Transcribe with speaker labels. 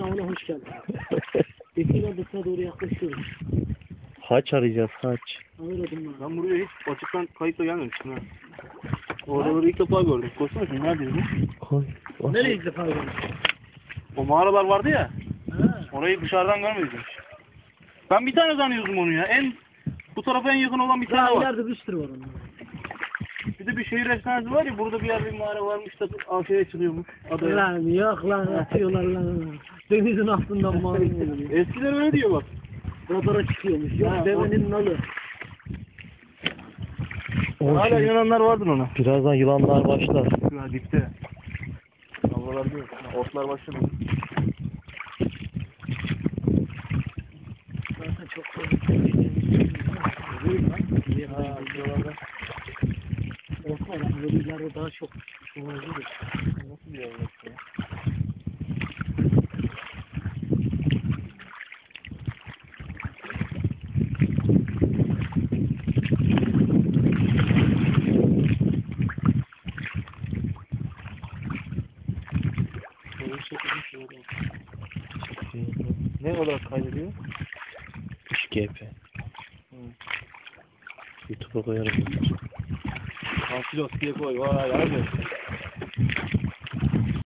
Speaker 1: Sağına hoş geldin. Bekir'e dışına doğru yaklaşıyoruz.
Speaker 2: Haç arayacağız, haç.
Speaker 1: Anladım ben.
Speaker 3: Ben buraya hiç açıktan kayıtla gelmemiştim ha. Oraları ilk defa gördüm. Koşsana şimdi neredeyiz bu?
Speaker 2: Koy.
Speaker 1: Nereye ilk defa gördün?
Speaker 3: O mağaralar vardı ya.
Speaker 1: Ha.
Speaker 3: Orayı dışarıdan görmedik hiç. Ben bir tane zannediyordum onu ya. Bu tarafa en yakın olan bir
Speaker 1: Daha
Speaker 3: tane var.
Speaker 1: ileride bir sürü var onun.
Speaker 3: Bir de bir şehir efsanesi var ya. Burada bir yerde bir mağara varmış da aşağıya çıkıyormuş. Adaya.
Speaker 1: Lan yok lan atıyorlar lan. Denizin altından mağara oluyor.
Speaker 3: Eskiler öyle diyor bak.
Speaker 1: Radara çıkıyormuş. Yok
Speaker 3: Ha,
Speaker 1: devenin nalı.
Speaker 3: Hala inananlar vardır ona.
Speaker 2: Birazdan yılanlar başlar.
Speaker 3: Ya dipte. Havalarda yok. Otlar başladı.
Speaker 1: Zaten çok fazla.
Speaker 3: Ha, buralarda.
Speaker 1: Korkma lan. Böyle ileride daha çok.
Speaker 3: Nasıl bir yer orası ya? Ne olarak kaydediyor?
Speaker 2: 3GP. YouTube'a koyarım.
Speaker 3: Ansilos diye koy. Vay abi.